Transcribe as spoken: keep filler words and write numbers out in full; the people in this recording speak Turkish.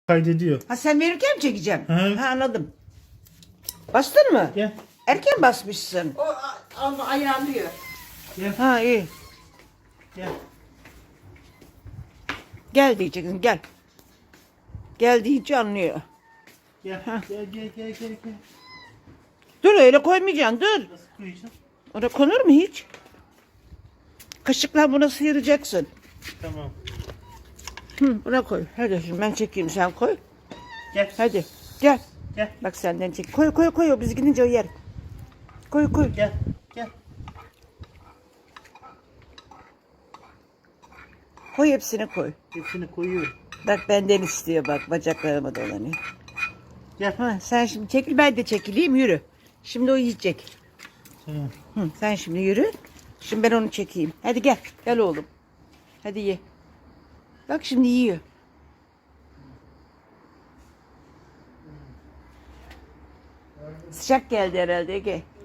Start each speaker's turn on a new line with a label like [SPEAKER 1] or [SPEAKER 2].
[SPEAKER 1] Kaydediyor.
[SPEAKER 2] Ha sen verirken mi çekeceğim?
[SPEAKER 1] Hı.
[SPEAKER 2] Ha anladım. Bastın mı?
[SPEAKER 1] Gel.
[SPEAKER 2] Erken basmışsın.
[SPEAKER 3] O a- ama ayarlıyor.
[SPEAKER 1] Gel.
[SPEAKER 2] Ha iyi.
[SPEAKER 1] Gel.
[SPEAKER 2] Gel diyeceksin gel. Gel deyince anlıyor.
[SPEAKER 1] Gel. Gel gel gel gel gel.
[SPEAKER 2] Dur öyle koymayacaksın dur.
[SPEAKER 1] Nasıl koyacağım?
[SPEAKER 2] Oraya konur mu hiç? Kaşıkla buna sıyıracaksın.
[SPEAKER 1] Tamam.
[SPEAKER 2] Hı, buna koy. Hadi şimdi ben çekeyim sen koy.
[SPEAKER 1] Gel.
[SPEAKER 2] Hadi gel.
[SPEAKER 1] Gel.
[SPEAKER 2] Bak senden çek. Koy koy koy o biz gidince o yer. Koy koy.
[SPEAKER 1] Gel. Gel.
[SPEAKER 2] Koy hepsini koy.
[SPEAKER 1] Hepsini koyuyorum.
[SPEAKER 2] Bak benden istiyor bak bacaklarıma dolanıyor.
[SPEAKER 1] Gel.
[SPEAKER 2] Ha, sen şimdi çekil ben de çekileyim yürü. Şimdi o yiyecek.
[SPEAKER 1] Tamam.
[SPEAKER 2] Hı, sen şimdi yürü. Şimdi ben onu çekeyim. Hadi gel. Gel oğlum. Hadi ye. Bak şimdi yiyor. Sıcak geldi herhalde Ege.